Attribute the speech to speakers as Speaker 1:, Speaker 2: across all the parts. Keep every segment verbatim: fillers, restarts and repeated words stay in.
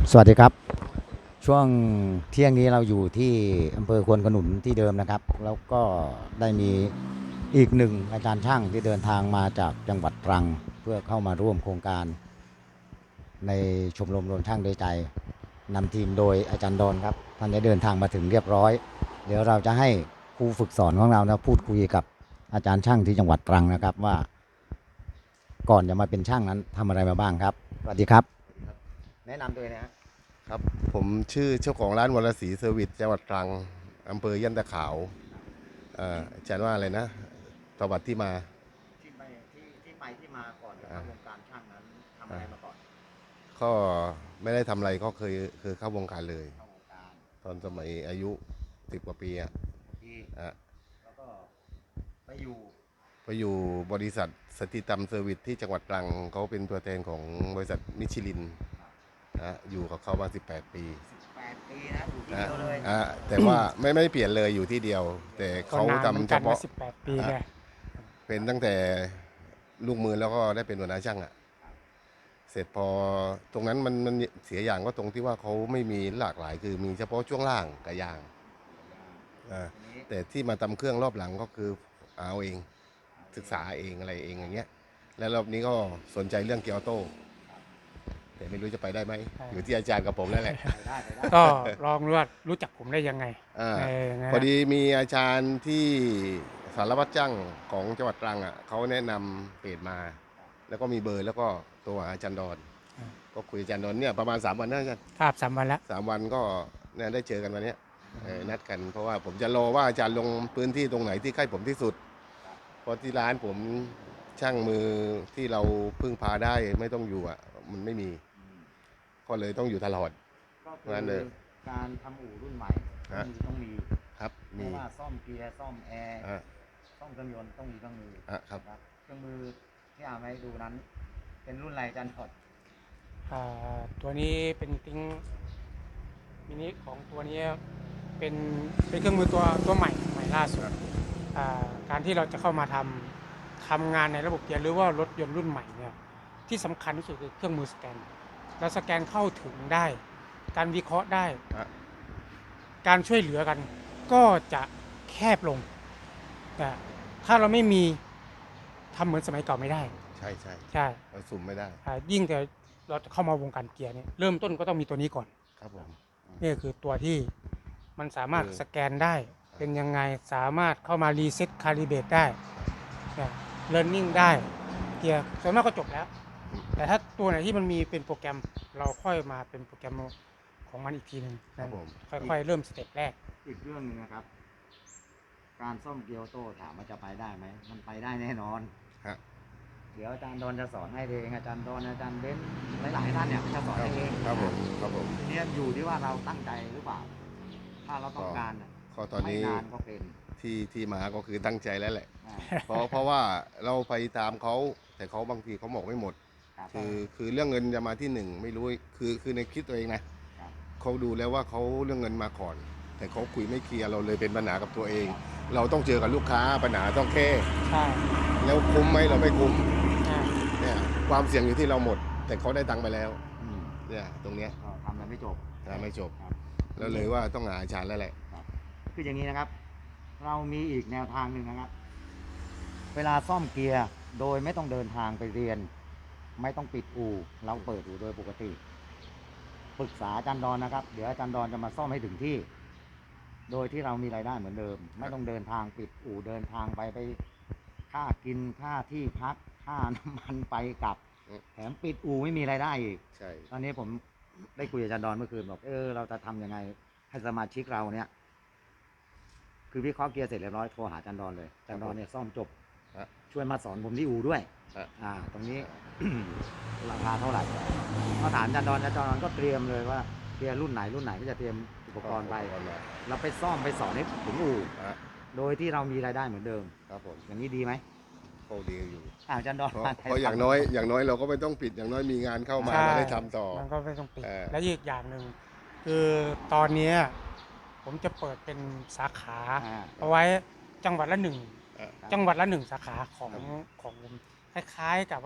Speaker 1: สวัสดีครับช่วงเที่ยงนี้เราอยู่ที่อำเภอควนขนุนที่เดิมนะครับแล้วก็ได้มีอีกหนึ่งอาจารย์ช่างที่เดินทางมาจากจังหวัดตรังเพื่อเข้ามาร่วมโครงการในชมรมรวมช่างด้วยใจนำทีมโดยอาจารย์ดอนครับท่านได้เดินทางมาถึงเรียบร้อยเดี๋ยวเราจะให้ครูฝึกสอนของเรานะพูดคุยกับอาจารย์ช่างที่จังหวัดตรังนะครับว่าก่อนจะมาเป็นช่างนั้นทำอะไรมาบ้างครับสวัสดีครับแนะนำตัวนะ
Speaker 2: ครับผมชื่อเจ้าของร้านวรศรีเซอร์วิสจังหวัดตรังอำเภอยันตะขาวเอ่ออาจารย์ว่าอะไรนะประวัติที่มา
Speaker 1: ที่ไปที่ที่ไปที่มาก่อนจะเข้าวงการช่างนั้นทำอะไรมาก่อน
Speaker 2: ก็ไม่ได้ทำอะไรก็เคยเคยเข้าวงการเลย
Speaker 1: เข้าวงการ
Speaker 2: ตอนสมัยอายุสิบกว่าปีอะ
Speaker 1: ที่
Speaker 2: อ่ะ
Speaker 1: แล้วก็ไปอยู่
Speaker 2: ไปอยู่บริษัทสติตัมเซอร์วิสที่จังหวัดตรังเขาเป็นตัวแทนของบริษัทมิชลินนะอยู่กับเขามาสิบแปดปี
Speaker 1: สิบแปดปีนะอยู่ที่
Speaker 2: นะ
Speaker 1: เดียวเลย
Speaker 2: อ่ะแต่ว่าไม่ไม่เปลี่ยนเลยอยู่ที่เดียวแต่
Speaker 3: ก็
Speaker 2: เขา
Speaker 3: นานเหมือน
Speaker 2: ทำเฉพาะ
Speaker 3: กันนะสิบแปดปี
Speaker 2: อ่ะ
Speaker 3: ไง
Speaker 2: เป็นตั้งแต่ลูกมือแล้วก็ได้เป็นหัวหน้าช่างอ่ะ เสร็จพอตรงนั้นมันมันเสียอย่างก็ตรงที่ว่าเขาไม่มีหลากหลายคือมีเฉพาะช่วงล่างกับยางอ่า
Speaker 1: ทีนี้
Speaker 2: แต่ที่มาทำเครื่องรอบหลังก็คือเอาเองศึกษาเองอะไรเองอย่างเงี้ยแล้วรอบนี้ก็สนใจเรื่องเกียร์ออโต้แต่ไม่รู้จะไปได้ไหมอยู่ที่อาจารย์กับผมนั่นแหละ
Speaker 1: ไปได้ไปได้
Speaker 3: ก็ลองรู้ว่ารู้จักผมได้ยังไง
Speaker 2: อ่า
Speaker 3: ในนะ
Speaker 2: พอดีมีอาจารย์ที่สารวัตรจ้างของจังหวัดตรังอ่ะเขาแนะนำเพจมา แล้วก็มีเบอร์แล้วก็ตัวอาจารย์ดอนก็คุยอาจารย์ดอนเนี่ยประมาณสามวันนะอาจารย์
Speaker 3: ภาพสามวันแล้ว
Speaker 2: สามวันก็เนี่ยได้เจอกันวันเนี้ยเออนัดกันเพราะว่าผมจะรอว่าอาจารย์ลงพื้นที่ตรงไหนที่ใกล้ผมที่สุดเพราะที่ร้านผมช่างมือที่เราพึ่งพาได้ไม่ต้องอยู่อ่ะมันไม่มีก็เลยต้องอยู่ตลอด
Speaker 1: ก็คื
Speaker 2: งั้นเลย
Speaker 1: อการทำอู่รุ่นใหม่ต้อง
Speaker 2: ฮะ
Speaker 1: มีต้องมี
Speaker 2: ครับ
Speaker 1: ไม่
Speaker 2: มี
Speaker 1: ว่าซ่อมเกียร์ซ่อมแอร์
Speaker 2: อ่ะ
Speaker 1: ซ่อมเครื่องยนต์ต้องมีเครื่องมือ
Speaker 2: อ่ะครับ
Speaker 1: นะเครื่องมือที่เอามาให้ดูนั้นเป็นรุ่นอะไรอาจารย์ถอด
Speaker 3: อ่าตัวนี้เป็นติ้งมินิของตัวนี้เป็นเป็นเครื่องมือตัวตัวใหม่ใหม่ล่าสุดอ่าการที่เราจะเข้ามาทำทำงานในระบบเกียร์หรือว่ารถยนต์รุ่นใหม่เนี่ยที่สำคัญที่สุดคือเครื่องมือสแกนเราสแกนเข้าถึงได้การวิเคราะห์ได้
Speaker 2: อ่ะ
Speaker 3: การช่วยเหลือกันก็จะแคบลงแต่ถ้าเราไม่มีทำเหมือนสมัยเก่าไม่ได้
Speaker 2: ใช่ใช่
Speaker 3: ใช่
Speaker 2: เราสุ่มไม่ได้
Speaker 3: อ่ายิ่งแต่เราจะเข้ามาวงการเกียร์เนี่ยเริ่มต้นก็ต้องมีตัวนี้ก่อน
Speaker 2: ครับผม
Speaker 3: นี่คือตัวที่มันสามารถ
Speaker 2: คือ
Speaker 3: สแกนได้เป็นยังไงสามารถเข้ามารีเซ็ตคาลิเบรตได้เลิร์นนิ่งได้เกียร์ส่วนมากก็จบแล้วแต่ถ้าตัวไหนที่มันมีเป็นโปรแกรมเราค่อยมาเป็นโปรแกรมของมันอีกทีหนึ่ง
Speaker 2: ครับผม
Speaker 3: ค่อยๆเริ่มสเต็ปแรก
Speaker 1: อีกเรื่องหนึงนะครับการซ่อมเกียร์ออโต้ถามว่าจะไปได้ไหมมันไปได้แน่นอน
Speaker 2: ฮะ
Speaker 1: เดี๋ยวอาจารย์ดอนจะสอนให้เองอาจารย์ดอนอาจารย์เบ้นหลายๆท่านเนี่ยจะสอนให้เอง
Speaker 2: ครับผมครับผม
Speaker 1: ทีนี้อยู่ที่ว่าเราตั้งใจหรือเปล่าถ้าเราต้องการ
Speaker 2: ก็ตอนนี้
Speaker 1: ไม่นานก็เป็น
Speaker 2: ที่ที่มาก็คือตั้งใจแล้วแหละ
Speaker 1: อ่า
Speaker 2: เพราะเพราะว่าเราไปตามเขาแต่เขาบางทีเขาบอกไม่หมด
Speaker 1: ครับ
Speaker 2: คือคือเรื่องเงินจะมาที่หนึ่งไม่รู้คือคือในคิดตัวเองนะครับ เขาดูแล้วว่าเขาเรื่องเงินมาก่อน แต่เขาคุยไม่เคลียร์เราเลยเป็นปัญหากับตัวเอง เราต้องเจอกับลูกค้าปัญหาต้องแค่
Speaker 3: ใช่
Speaker 2: แล้วคุ้มไหมเราไม่คุ้ม
Speaker 3: อ่า
Speaker 2: เนี่ยความเสี่ยงอยู่ที่เราหมด แต่เขาได้ตังค์ไปแล้ว
Speaker 1: อืม
Speaker 2: เนี่ยตรงเนี้ย
Speaker 1: ก็ทำแล้วไม่จบ
Speaker 2: นะไม่จบ
Speaker 1: ครับ
Speaker 2: แล้วเลยว่าต้องหาอาจารย์แล้วแหละ
Speaker 1: ครับคืออย่างนี้นะครับ เรามีอีกแนวทางหนึ่งนะครับ เวลาซ่อมเกียร์โดยไม่ต้องเดินทางไปเรียน ไม่ต้องปิดอู่เราเปิดอู่โดยปกติปรึกษาอาจารย์ดอนนะครับเดี๋ยวอาจารย์ดอนจะมาซ่อมให้ถึงที่ โดยที่เรามีรายได้เหมือนเดิม ไม่ต้องเดินทางปิดอู่เดินทางไปไปค่ากินค่าที่พักค่าน้ำมันไปกลับ
Speaker 2: อืม
Speaker 1: แถมปิดอู่ไม่มีรายได้อีก
Speaker 2: ใช่
Speaker 1: ตอนนี้ผมได้คุยกับอาจารย์ดอนเมื่อคืนบอกเออเราจะทำยังไงให้สมาชิกเราเนี่ยคือวิเคราะห์เกียร์เสร็จเรียบร้อยโทรหาอาจารย์ดอนเลยอาจารย์ดอนเนี่ยซ่อมจบ
Speaker 2: ฮะ
Speaker 1: ช่วยมาสอนผมที่อู่ด้วย
Speaker 2: ฮะ
Speaker 1: อ่า ตรงนี้ ราคาเท่าไหร่ก็ถามอาจารย์ดอนอาจารย์ดอนก็เตรียมเลยว่าเกียร์รุ่นไหนรุ่นไหนก็จะเตรียมอุปกรณ์ไปเราไปซ่อมไปสอนให้ถึงอู่
Speaker 2: ฮะ
Speaker 1: โดยที่เรามีรายได้เหมือนเดิม
Speaker 2: ครับผม
Speaker 1: อย่างนี้ดีไหม
Speaker 2: โชคดีอยู่
Speaker 1: อ่าอาจารย์ดอน
Speaker 2: เพราะเพราะอย่างน้อยอย่างน้อยเราก็ไม่ต้องปิดอย่างน้อยมีงานเข้ามา
Speaker 3: ใช่
Speaker 2: เราได้ทำต่อ
Speaker 3: มันก็ไม่ต้องปิด
Speaker 2: เออ
Speaker 3: และอีกอย่างหนึ่งคือตอนเนี้ยผมจะเปิดเป็นสาขา
Speaker 1: อ่า
Speaker 3: เอาไว้จังหวัดละหนึ่ง
Speaker 2: เออ
Speaker 3: จังหวัดละหนึ่งสาขาของของผมคล้ายๆกับว่า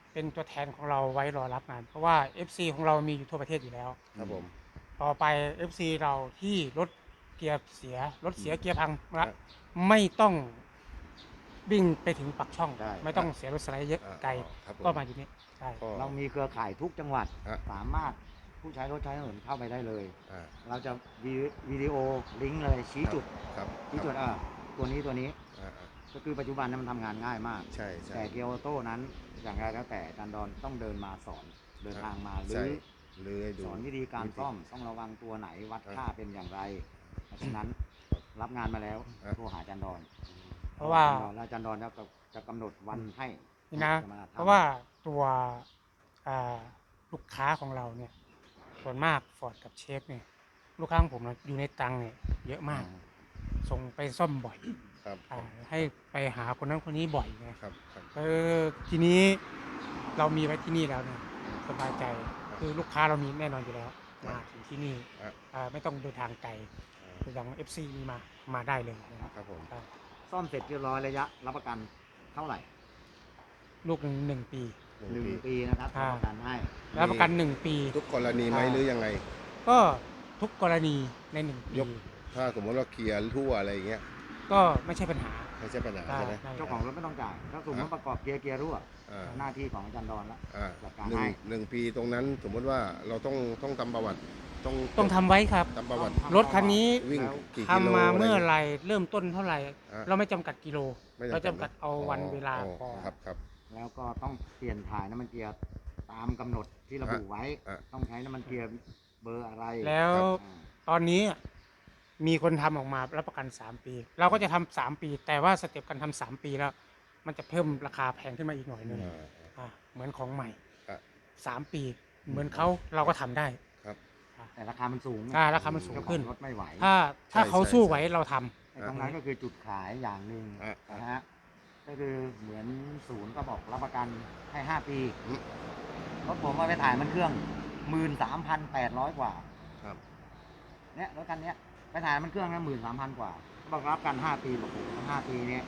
Speaker 3: เป็นตัวแทนของเราไว้รอรับงาน เพราะว่า เอฟ ซี ของเรามีอยู่ทั่วประเทศอยู่แล้ว
Speaker 2: ครับผม
Speaker 3: ต่อไป เอฟ ซี เราที่รถเกียร์เสียรถเสียเกียร์พัง
Speaker 2: ครั
Speaker 3: ละ
Speaker 2: บ
Speaker 3: ไม่ต้องวิ่งไปถึงปักช่อง
Speaker 1: ใช่
Speaker 3: ไม่ต้องเสียรถสไลด์เยอะ
Speaker 2: อ่า
Speaker 3: ไกล
Speaker 2: ครับผม
Speaker 3: ก็มาอยู่นี่ใช่
Speaker 2: ก็
Speaker 1: เรามีเครือข่ายทุกจังหวัด
Speaker 2: ฮะ
Speaker 1: สามารถผู้ใช้รถใช้ถนนเข้าไปได้เลย
Speaker 2: อ่า
Speaker 1: เราจะวิวิดีโอลิงก์เลยชี้จุด
Speaker 2: ครับ
Speaker 1: ชี้จุดอ่ะตัวนี้ตัวนี้
Speaker 2: อ่าอ่า
Speaker 1: ก็คือปัจจุบันนั้นมันทำงานง่ายมาก
Speaker 2: ใช่ใช่
Speaker 1: แต่เกียวโต้นั้นอย่างไรแล้วแต่อาจารย์ดอนต้องเดินมาสอนเดินทางมาหรื
Speaker 2: ใช่
Speaker 1: อ
Speaker 2: หรือให้ดู
Speaker 1: สอนวิธีการ
Speaker 2: วิธี
Speaker 1: ซ่อมต้องระวังตัวไหนวัด
Speaker 2: ครับ
Speaker 1: ค่าเป็นอย่างไร เพราะฉะนั้นรับงานมาแล้ว
Speaker 2: ครับ
Speaker 1: โทรหาอาจารย์ดอน
Speaker 3: เพราะว่า
Speaker 1: แล้วอาจารย์ดอนจะจะกำหนดวันให้
Speaker 3: นี่นะ
Speaker 1: จมทำ
Speaker 3: เพราะว่าตัวอ่าลูกค้าของเราเนี่ยส่วนมากฟอร์ดกับเชฟเนี่ยลูกค้าของผมนะอยู่ในตรังเนี่ยเยอะมาก ส่งไปซ่อมบ่อย
Speaker 2: ครับ
Speaker 3: อ่าให้ไปหาคนนั้นคนนี้บ่อยไง
Speaker 2: ครับครับ
Speaker 3: เออทีนี้เรามีไว้ที่นี่แล้วเนี่ยสบายใจคือลูกค้าเรามีแน่นอนอยู่แล้วมาถึงที่นี่
Speaker 2: อ่ะ
Speaker 3: อ่าไม่ต้องเดินทางไกลอย่าง เอฟ ซี มีมามาได้เลยนะครับ
Speaker 2: ครับผม
Speaker 3: ครับ
Speaker 1: ซ่อมเสร็จเรียบร้อยระยะรับประกันเท่าไหร่
Speaker 3: ลูกหนึ่งหนึ่งปี
Speaker 2: ห
Speaker 1: ห
Speaker 2: นึ่
Speaker 1: นึ่
Speaker 2: ง
Speaker 1: ง
Speaker 2: ปี
Speaker 1: ปีนะครับ
Speaker 3: อ่า
Speaker 1: รับประกันให้
Speaker 3: รับประกันหนึ่งปี
Speaker 2: ทุกกรณีไหม
Speaker 3: อ่า
Speaker 2: หรือยังไง
Speaker 3: ก็ทุกกรณีในหนึ่งปี
Speaker 2: ยก ถ้าสมมติว่าเคลียร์ทั่วอะไรอย่างเงี้ย
Speaker 3: ก็ไม่ใช่ปัญหา
Speaker 2: ไม่ใช่ปัญหา
Speaker 3: ได้
Speaker 2: ใช่ไหม
Speaker 3: ได้
Speaker 1: เจ้าของรถไม่ต้องจ่ายถ้าสมมติประกอบเกียร์เกียร์รั่ว
Speaker 2: อ่า
Speaker 1: หน้าที่ของอาจารย์ดอนละ
Speaker 2: อ่า
Speaker 1: จัดการ
Speaker 2: หนึ่ง
Speaker 1: ให้
Speaker 2: หนึ่งปีตรงนั้นสมมติว่าเราต้องต้องทำประวัติ ต้อง
Speaker 3: ต้องทำไว้ครับ
Speaker 2: ทำประวัติ
Speaker 3: รถคันนี้
Speaker 2: วิ่ง
Speaker 1: แล้ว
Speaker 2: กี่กิโล
Speaker 3: ทำมาเมื่อ
Speaker 2: อะ
Speaker 3: ไหรเริ่มต้นเท่าไหร่
Speaker 2: อ่า
Speaker 3: เราไม่จำกัดกิโล
Speaker 2: ไม่จำกัด
Speaker 3: เราจำกัดเอาวันเวลาพอ
Speaker 2: ครับครับ
Speaker 1: แล้วก็ต้องเปลี่ยนถ่ายน้ำมันเกียร์ตามกำหนดที่ระบุไว้
Speaker 2: อ่ะ
Speaker 1: ต้องใช้น้ำมันเกียร์เบอร์อะไร
Speaker 3: แล้ว
Speaker 1: อ่า
Speaker 3: ตอนนี้มีคนทำออกมารับประกันสามปี เราก็จะทำสามปี แต่ว่าสเต็ปการทำสามปีแล้ว มันจะเพิ่มราคาแพงขึ้นมาอีกหน่อยหนึง
Speaker 2: อ่า
Speaker 3: อ่ะเหมือนของใหม่
Speaker 2: อ่ะ
Speaker 3: สามปี เหมือนเขาเราก็ทำได้
Speaker 2: ครับ
Speaker 1: แต่ราคามันสูง
Speaker 3: อ่าราคามันสูง
Speaker 1: เจ้าขอ
Speaker 3: ขึ้น
Speaker 1: รถไม่ไหว
Speaker 3: ถ้าถ้า
Speaker 2: ใช่
Speaker 3: เขา
Speaker 2: ใช่
Speaker 3: สู้
Speaker 2: ใช่
Speaker 3: ไหวเราทำ
Speaker 1: ไอ้ตรงนั้นก็คือจุดขายอย่างหนึ่ง
Speaker 2: อ่ะ
Speaker 1: นะฮะก็คือเหมือนศูนย์ก็บอกรับประกันให้ห้าปี
Speaker 2: อืม
Speaker 1: รถผมมาไปถ่ายมันเครื่องหมื่นสามพันแปดร้อยกว่า
Speaker 2: ครับ
Speaker 1: เนี่ยรถคันเนี้ยไปถ่ายมันเครื่องนะหมื่นสามพันกว่าบอกรับกันห้าปีบอกโอ้โหห้าปีเนี้ย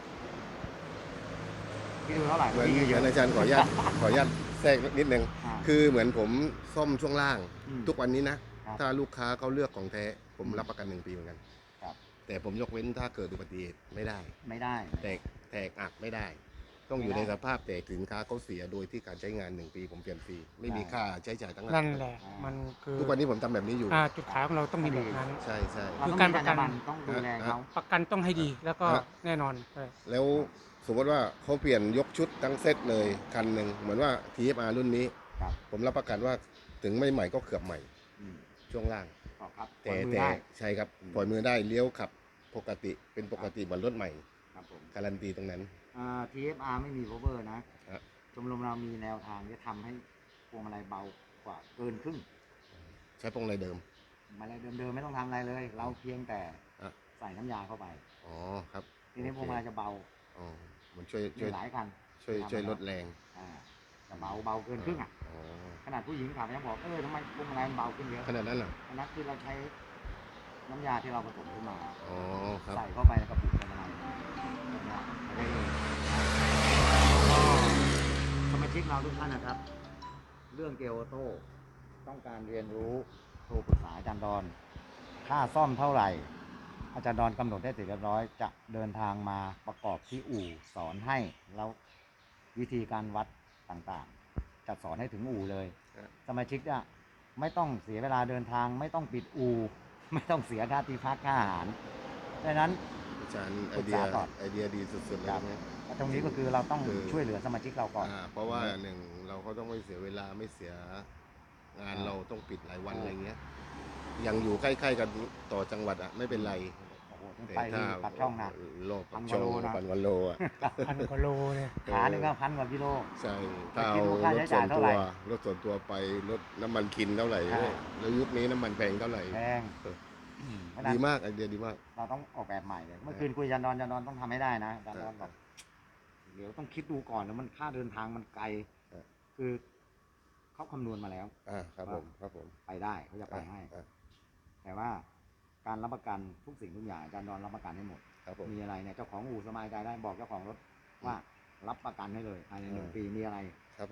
Speaker 1: พี่ดูเท่าไหร่
Speaker 2: เหมือน
Speaker 1: พี่
Speaker 2: เหมือนอาจารย์ขออนุญาตขออนุญาตแทรกนิดนึง
Speaker 1: อ่า
Speaker 2: คือเหมือนผมซ่อมช่วงล่าง
Speaker 1: อืม
Speaker 2: ทุกวันนี้นะ
Speaker 1: ครับ
Speaker 2: ถ้าลูกค้าเขาเลือกของแท้ ผม
Speaker 1: อืม
Speaker 2: รับประกันหนึ่งปีเหมือนกัน
Speaker 1: ครับ
Speaker 2: แต่ผมยกเว้นถ้าเกิดอุบัติเหตุไม่ได้
Speaker 1: ไม่ได้
Speaker 2: แตกแตกอักไม่ได้ ต้องอยู่
Speaker 1: ไม่
Speaker 2: ใน
Speaker 1: ได้
Speaker 2: สภาพแตกสินค้าเขาเสียโดยที่การใช้งานหนึ่งปีผมเปลี่ยนฟรีไม่มี
Speaker 1: ใช่
Speaker 2: ค่าใช้จ่ายทั้ง
Speaker 3: นั่นแหละ มันคือ
Speaker 2: ทุกวันนี้ผมทำแบบนี้อยู่
Speaker 3: อ่าจุดขายของเราต้องมีแบบนั้น
Speaker 2: ใช่ใช่
Speaker 1: เรา
Speaker 3: คื
Speaker 1: ต้
Speaker 3: อ
Speaker 1: อง
Speaker 3: การ
Speaker 1: มี
Speaker 3: ประกัน
Speaker 1: จรรยาบรรณต้องดูแลเขา
Speaker 3: ประกันต้องให้ดี แล้วก็
Speaker 2: ฮะ
Speaker 3: แน่นอนเออ
Speaker 2: แล้วสมมติว่าเขาเปลี่ยนยกชุดทั้งเซตเลยคันหนึ่งเหมือนว่า ที เอฟ อาร์ รุ่นนี้
Speaker 1: ครับ
Speaker 2: ผมรับประกันว่าถึงไม่ใหม่ก็เกือบใหม่
Speaker 1: อืม
Speaker 2: ช่วงล่าง
Speaker 1: ก็ครับ
Speaker 2: แต่
Speaker 1: ปล่อยมือ
Speaker 2: แต่
Speaker 1: ได้
Speaker 2: ใช่ครับ
Speaker 1: อืม
Speaker 2: ปล่อยมือได้เลี้ยวขับปกติเป็นปกติเหมือนรถใหม่
Speaker 1: ครับผม
Speaker 2: การันตีตรงนั้น
Speaker 1: อ่า ที เอฟ อาร์ ไม่มี cover นะ
Speaker 2: ฮะ
Speaker 1: ชมรมเรามีแนวทางที่ทำให้พวงมาลัยเบากว่าเกินครึ่ง
Speaker 2: ใช้พวงอะไรเดิม
Speaker 1: มาลัยเดิมๆไม่ต้องทำอะไรเลย เราเพียงแต่
Speaker 2: อ่ะ
Speaker 1: ใส่น้ำยาเข้าไป
Speaker 2: อ๋อครับ
Speaker 1: ทีนี้พวงมาลัยจะเบา
Speaker 2: อ๋อมันช่วย
Speaker 1: มี
Speaker 2: ช่วย
Speaker 1: หลายคัน
Speaker 2: ช่วย
Speaker 1: ทำ
Speaker 2: ช่วย
Speaker 1: มาแว
Speaker 2: ลดแรง
Speaker 1: อ่าจะเบาเบาเกินครึ่งอ่ะ
Speaker 2: อ๋อ
Speaker 1: ขนาดผู้หญิงขับยังบอกเออทำไมพวงมาลัยมันเบาขึ้นเยอะ
Speaker 2: ขนาดนั้นเหรอ
Speaker 1: อันนั้นคือเราใช้น้ำยาที่เราผสมขึ้นมา
Speaker 2: อ๋อครับ
Speaker 1: ใส่เข้าไปในกระปุกพวงมาลัยเนี่ยไปได้เลยก็สมาชิกเราทุกท่านนะครับ เรื่องเกียร์ออโต้ต้องการเรียนรู้โทรปรึกษาอาจารย์ดอน ค่าซ่อมเท่าไหร่ อาจารย์ดอนกำหนดได้เสร็จเรียบร้อย จะเดินทางมาประกอบที่อู่สอนให้แล้ววิธีการวัดต่างๆ จะสอนให้ถึงอู่เลย
Speaker 2: ครับ
Speaker 1: สมาชิกเนี่ยไม่ต้องเสียเวลาเดินทาง ไม่ต้องปิดอู่ ไม่ต้องเสียค่าที่พักค่าอาหารดังนั้น
Speaker 2: อาจารย์ไอ
Speaker 1: ปรึก
Speaker 2: เดีย
Speaker 1: ษาก่อน
Speaker 2: ไอเดียดีสุดๆเลย
Speaker 1: ครับ
Speaker 2: นะ
Speaker 1: ตรงนี้ก็คือเราต้อง
Speaker 2: คือ
Speaker 1: ช่วยเหลือสมาชิกเราก่อน
Speaker 2: อ่าเพราะว่าหนึ่งเราก็ต้องไม่เสียเวลาไม่เสียงาน
Speaker 1: อ่า
Speaker 2: เราต้องปิดหลายวัน
Speaker 1: อ่า
Speaker 2: อะไรเงี้ยยังอยู่ใกล้ๆกันต่อจังหวัดอะไม่เป็นไร
Speaker 1: โอ้โหต้อง
Speaker 2: แต่
Speaker 1: ไป
Speaker 2: ถ้า
Speaker 1: ที่ปักช่องนะ
Speaker 2: โล
Speaker 1: พั
Speaker 2: ปั
Speaker 1: น
Speaker 2: ก
Speaker 1: ก
Speaker 2: ช่
Speaker 1: ว่า
Speaker 2: อง
Speaker 1: โลนะ
Speaker 2: พันกว่าโลอะ
Speaker 3: พันกว่าโลเนี่ย
Speaker 1: ขาหนึ่งก็พันกว่ากิโล
Speaker 2: ใช่
Speaker 1: แต่
Speaker 2: ถ้า
Speaker 1: คิ
Speaker 2: เอา
Speaker 1: ดดูค่าร ใช้
Speaker 2: ถส่
Speaker 1: จ่า
Speaker 2: วย น
Speaker 1: เท่า
Speaker 2: ตั
Speaker 1: ไห
Speaker 2: ว
Speaker 1: ร่
Speaker 2: รถส่วนตัวไปรถน้ำมันคินเท่าไหร่
Speaker 1: อ่า
Speaker 2: แล้วยุคนี้น้ำมันแพงเท่าไหร่
Speaker 1: แพง
Speaker 2: เออ
Speaker 1: เพราะฉะนั้
Speaker 2: ดี
Speaker 1: น
Speaker 2: มากไอเดียดีมาก
Speaker 1: เราต้องออกแบบใหม่เลย เมื่อคืนคุยจันดอนจันดอนต้องทำให้ได้นะจันดอนบอกเดี๋ยวต้องคิดดูก่อนแล้วมันค่าเดินทางมันไกล
Speaker 2: เออ
Speaker 1: คือเขาคำนวณมาแล้ว
Speaker 2: อ่าครับผมครับผม
Speaker 1: ไปได้เขาจะไปให้
Speaker 2: อ่า
Speaker 1: แต่ว่าการรับประกันทุกสิ่งทุกอย่างจันดอนรับประกันให้หมด
Speaker 2: ครับผม
Speaker 1: มีอะไรเนี่ยเจ้าของอู่สบายใจได้บอกเจ้าของรถว่ารับประกันให้เลยภายในหนึ่ง
Speaker 2: อ่า
Speaker 1: ปีมีอะไร
Speaker 2: ครับผม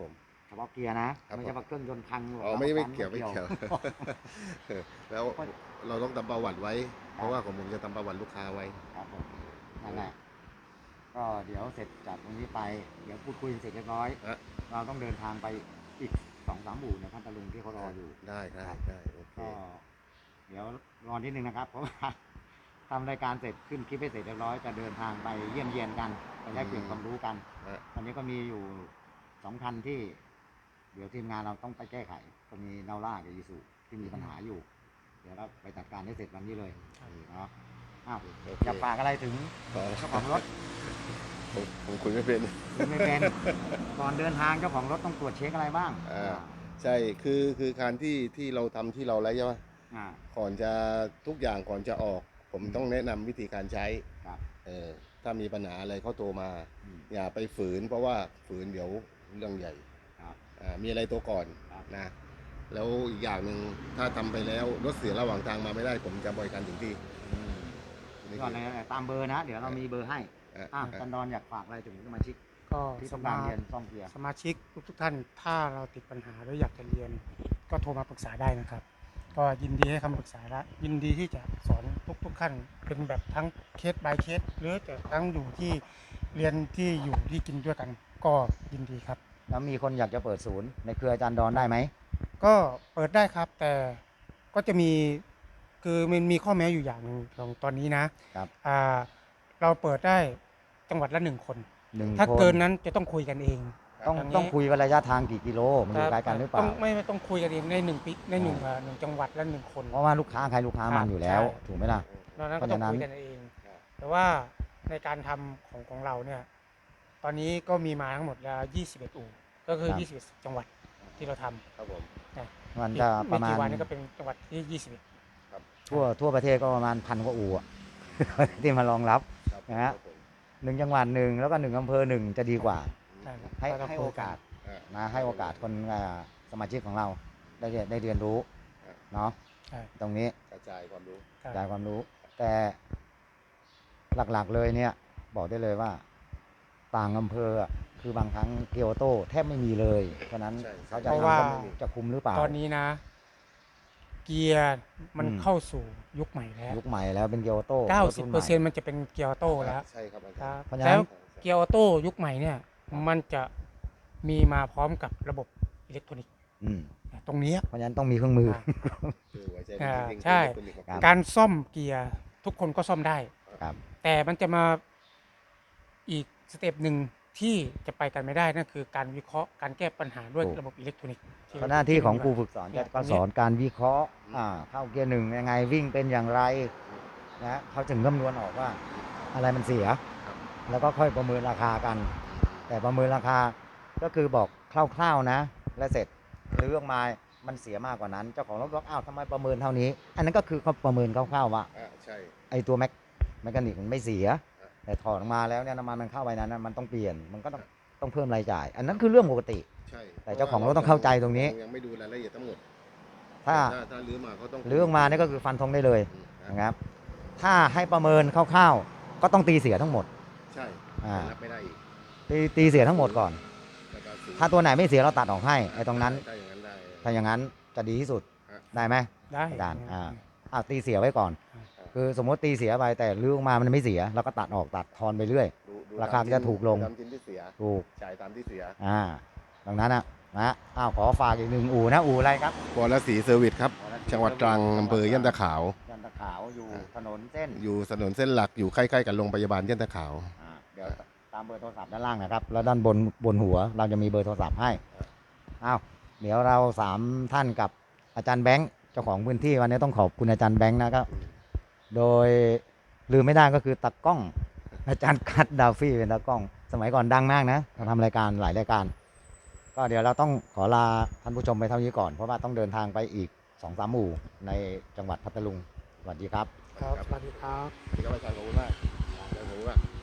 Speaker 1: เฉพาะเกียร์นะครับ ไม่ใช่ว่าเครื่องยนต์พัง
Speaker 2: อ๋อไม่ไม่เกี่ยว
Speaker 1: ปั๊
Speaker 2: ไม่เกี่ยว แล้วเราต้องทำประวัติไว้ เพราะว่าของผมจะทำประวัติลูกค้าไว้
Speaker 1: ครับผมนั่นแหละก็เดี๋ยวเสร็จจากตรงนี้ไปเดี๋ยวพูดคุยเสร็จเรียบร้อย
Speaker 2: ฮะ
Speaker 1: เราต้องเดินทางไปอีกสองสามหมู่ในพัทลุงที่เขารออยู่
Speaker 2: ได้ได้
Speaker 1: ครับ
Speaker 2: ได้โอเค
Speaker 1: ก็เดี๋ยวรอนิดนึงนะครับ เพราะว่า ทำรายการเสร็จขึ้นคลิปให้เสร็จเรียบร้อยจะเดินทางไปเยี่ยมเยียนกันไปแลกเปลี่ยนความรู้กัน
Speaker 2: ฮะ
Speaker 1: ตอนนี้ก็มีอยู่สองคันที่ เดี๋ยวทีมงานเราต้องไปแก้ไข ก็มีนาล่ากับยีสุที่มีปัญหาอยู่ เดี๋ยวเราไปจัดการให้เสร็จวันนี้เลยเนาะอ้าว
Speaker 2: โอเค
Speaker 1: จะฝากอะไรถึง
Speaker 2: ขอ
Speaker 1: เจ้าของรถ
Speaker 2: ผมผมคุยไม่เป็น
Speaker 1: คุณไม่เป็น ก่อนเดินทางเจ้าของรถต้องตรวจเช็คอะไรบ้าง
Speaker 2: อ่า ใช่คือคือการที่ที่เราทำที่เราแล้วใช่ไหม
Speaker 1: อ่า
Speaker 2: ก่อนจะทุกอย่างก่อนจะออก ผมต้องแนะนำวิธีการใช้
Speaker 1: ครับ
Speaker 2: เออถ้ามีปัญหาอะไรเขาโทรมา
Speaker 1: อืม
Speaker 2: อย่าไปฝืน เพราะว่าฝืนเดี๋ยวเรื่องใหญ่
Speaker 1: ครับ
Speaker 2: อ่ามีอะไรตัวก่อน
Speaker 1: ครับ
Speaker 2: นะแล้วอีกอย่างหนึ่งถ้าทำไปแล้วรถเสียระหว่างทางมาไม่ได้ ผมจะบริการถึงที่
Speaker 1: อืม
Speaker 2: นี่
Speaker 1: ก่อน
Speaker 2: คือ
Speaker 1: เลยตามเบอร์นะ เดี๋ยวเรามีเบอร์ให้
Speaker 2: อ่ะ
Speaker 1: อ่ะ
Speaker 2: อ่ะ
Speaker 1: จันดอนอยากฝากอะไรถึงสมาชิก
Speaker 3: ก็
Speaker 1: ที่
Speaker 3: ส
Speaker 1: ต้องการ
Speaker 3: มา
Speaker 1: เรียนซ่อมเกียร์
Speaker 3: สมาชิกทุกๆท่านถ้าเราติดปัญหาหรืออยากจะเรียน ก็โทรมาปรึกษาได้นะครับ ก็ยินดีให้คำปรึกษาและยินดีที่จะสอนทุกๆขั้นเป็นแบบทั้งเคส by เคสหรือจะทั้งอยู่ที่เรียนที่อยู่ที่กินด้วยกัน ก็ยินดีครับ
Speaker 1: แล้วมีคนอยากจะเปิดศูนย์ในเครืออาจารย์ดอนได้ไหม
Speaker 3: ก็เปิดได้ครับ แต่ก็จะมีคือมันมีข้อแม้อยู่อย่างหนึ่งของตอนนี้นะครับ อ่าเราเปิดได้จังหวัดละหนึ่งคน
Speaker 1: หนึ่ง
Speaker 3: ถ้า
Speaker 1: คน
Speaker 3: เกินนั้นจะต้องคุยกันเอง
Speaker 1: ต้อง
Speaker 3: ย่างนี้
Speaker 1: ต้องคุยกันระยะทางกี่กิโลมันอยู่ใกล้กันหรือเป
Speaker 3: ต้
Speaker 1: ล่า
Speaker 3: องไม่ไม่ต้องคุยกันเองในหนึ่งปีในหนึ่ง
Speaker 1: อ่า
Speaker 3: อ่าหนึ่งจังหวัดละหนึ่งคน
Speaker 1: เพราะว่าลูกค้าใครลูกค้ามันอยู่แล้ว
Speaker 3: ใช่
Speaker 1: ถูกไหมล่ะ
Speaker 3: นอกนั้น
Speaker 1: เพ
Speaker 3: ก็
Speaker 1: ราะ
Speaker 3: ต้อง
Speaker 1: ฉะนั้น
Speaker 3: คุยกันเอง แต่ว่าในการทำของของเราเนี่ย ตอนนี้ก็มีมาทั้งหมดแล้วยี่สิบเอ็ดอู่ก็คือยี่สิบเอ็ดจังหวัดที่เราทำ
Speaker 2: ครับผม
Speaker 3: นะ
Speaker 1: มัน
Speaker 3: อีก
Speaker 1: จะป
Speaker 3: ไม่
Speaker 1: ระมา
Speaker 3: กี่
Speaker 1: ณ
Speaker 3: วันนี้ก็เป็นจังหวัดที่ยี่สิบเอ็ด
Speaker 1: ทั่วทั่วประเทศก็ประมาณพันกว่าอู่อะ ที่มารองรับ
Speaker 2: ครับ
Speaker 1: นะฮะ
Speaker 2: ครับผม
Speaker 1: หนึ่งจังหวัดหนึ่งแล้วก็หนึ่งอำเภอหนึ่งจะดีกว่า
Speaker 3: ใช่ครับ
Speaker 1: ให้
Speaker 3: ก็ต้อง
Speaker 1: ให้
Speaker 3: คุ
Speaker 1: โอย
Speaker 3: น
Speaker 1: กาส
Speaker 2: อ่ะ
Speaker 1: นะให้โอกาสคนอ่าสมาชิกของเราได้เรียนได้เรียนรู้เนาะ
Speaker 3: ใช่
Speaker 1: ตรงนี้
Speaker 2: กระจายความรู้
Speaker 3: ใช่
Speaker 1: จ่ายความรู้ แต่หลักๆเลยเนี่ย บอกได้เลยว่า ต่างอำเภออะคือบางครั้งเกียวโตแทบไม่มีเลย เพราะนั้น
Speaker 2: ใช่
Speaker 1: เขาจะ
Speaker 3: เพราะว่า
Speaker 1: ทำจะคุมหรือเปล่า
Speaker 3: ตอนนี้นะ เกียร์มัน
Speaker 1: อืม
Speaker 3: เข้าสู่ยุคใหม่แล้ว
Speaker 1: ยุคใหม่แล้วเป็นเกียวโต
Speaker 3: เก้าสิบเปอร์เซ็นต์มันจะเป็นเกียร์ออโต้แล้ว
Speaker 2: ใช่ครับอา
Speaker 3: ค
Speaker 2: จา
Speaker 3: รั
Speaker 2: ร
Speaker 3: บ
Speaker 2: ย์
Speaker 1: เพราะฉะนั้น
Speaker 3: แล้วเกียร์ออโต้ยุคใหม่เนี่ย มันจะมีมาพร้อมกับระบบอิเล็กทรอนิกส์
Speaker 1: อืม
Speaker 3: ตรงเนี้ย
Speaker 1: เพราะฉะนั้นต้องมีเครื่องมือ
Speaker 3: อ่า
Speaker 2: คือหัวใจ
Speaker 3: อ่า
Speaker 2: จริงๆ
Speaker 3: ใช่
Speaker 2: คือเป็น
Speaker 1: ครับ
Speaker 3: การซ่อมเกียร์ทุกคนก็ซ่อมได้
Speaker 1: ครับ
Speaker 3: แต่มันจะมาอีกสเต็ปหนึ่งที่จะไปกันไม่ได้นั่นคือการวิเคราะห์การแก้ปัญหาด้วย
Speaker 1: ถูก
Speaker 3: ระบบอิเล็กทรอนิกส์
Speaker 1: เพราะหน้าที่ของครูฝึกสอน
Speaker 3: เนี่
Speaker 1: จะ
Speaker 3: ย
Speaker 1: ก็
Speaker 3: ตรงนี้
Speaker 1: สอนการวิเคราะห์อ่าเข้าเกียร์หนึ่งยังไงวิ่งเป็นอย่างไรนะเขาถึงคำนวณออกว่าอะไรมันเสีย แล้วก็ค่อยประเมินราคากัน แต่ประเมินราคาก็คือบอกคร่าวๆนะ และเสร็จหรือออกมามันเสียมากกว่านั้น เจ้าของรถบอกอ้าวทำไมประเมินเท่านี้ อันนั้นก็คือเขาประเมินคร่าวๆว่า
Speaker 2: อ่าใช่
Speaker 1: ไอตัวแมคแมคานิกมันไม่เสีย แต่ถอดออกมาแล้วเนี่ยน้ำมันมันเข้าไปนั้นนะมันต้องเปลี่ยนมันก็ต้องต้องเพิ่มรายจ่าย อันนั้นคือเรื่องปกติ
Speaker 2: ใช่
Speaker 1: แต่เจ้าของรถต้องเข้าใจตรงนี้
Speaker 2: ยังไม่ดูรายละเอียดทั้งหมด
Speaker 1: ถ้า
Speaker 2: ถ้าถ้าลื้อมาเขาต้อง
Speaker 1: หรือออกมาเนี่ยก็คือฟันธงได้เลย
Speaker 2: อืม
Speaker 1: นะครับ ถ้าให้ประเมินคร่าวๆก็ต้องตีเสียทั้งหมด
Speaker 2: ใช่
Speaker 1: อ่า
Speaker 2: รับไม่ได้อีก
Speaker 1: ตีตีเสียทั้งหมดก่อน
Speaker 2: แล้วก็ศูนย์
Speaker 1: ถ้าตัวไหนไม่เสียเราตัดออกให้ไอ้ตรงนั้น
Speaker 2: ถ้าอย่างนั้นได้
Speaker 1: ถ้าอย่างนั้นจะดีที่สุด
Speaker 2: ฮะ
Speaker 1: ได้ไหม
Speaker 3: ได้
Speaker 1: อาจารย์อ่า อ้าวตีเสียไว้ก่อน
Speaker 2: อ่า
Speaker 1: คือสมมติตีเสียไปแต่ลื้อออกมามันไม่เสียเราก็ตัดออกตัดทอนไปเรื่อย
Speaker 2: ดูดู
Speaker 1: ราคาก็จะถูกลง
Speaker 2: ตามชิ้นที่เสีย
Speaker 1: ถูก
Speaker 2: จ่ายตามที่เสีย
Speaker 1: อ่าดังนั้นนะนะอ้าวขอฝากอีกหนึ่งอู่นะอู่อะไรครับ
Speaker 2: บอลสีเซอร์วิสครับ จังหวัดตรังอำเภอย่านตะขาว
Speaker 1: ยันตะขาวอยู่ถนนเส้น
Speaker 2: อยู่ถนนเส้นหลักอยู่ใกล้ๆกับโรงพยาบาลย่านตะขาว
Speaker 1: อ่าเดี๋ยวตามเบอร์โทรศัพท์ด้านล่างนะครับ แล้วด้านบนบนหัวเราจะมีเบอร์โทรศัพท์ให้อ้าวเดี๋ยวเราสามท่านกับอาจารย์แบงค์เจ้าของพื้นที่วันนี้ต้องขอบคุณอาจารย์แบงค์นะครับ โดยลืมไม่ได้ก็คือตากล้อง อาจารย์คัดดาฟี่เป็นตากล้อง สมัยก่อนดังมากนะเขาทำรายการหลายรายการ ก็เดี๋ยวเราต้องขอลาท่านผู้ชมไปเท่านี้ก่อน เพราะว่าต้องเดินทางไปอีกสองสามหมู่ในจังหวัดพัทลุงสวัสดีครับ
Speaker 3: ครับสวัสดีครับ
Speaker 2: ที่เขาไปทางขอบคุณมากขอบคุณมาก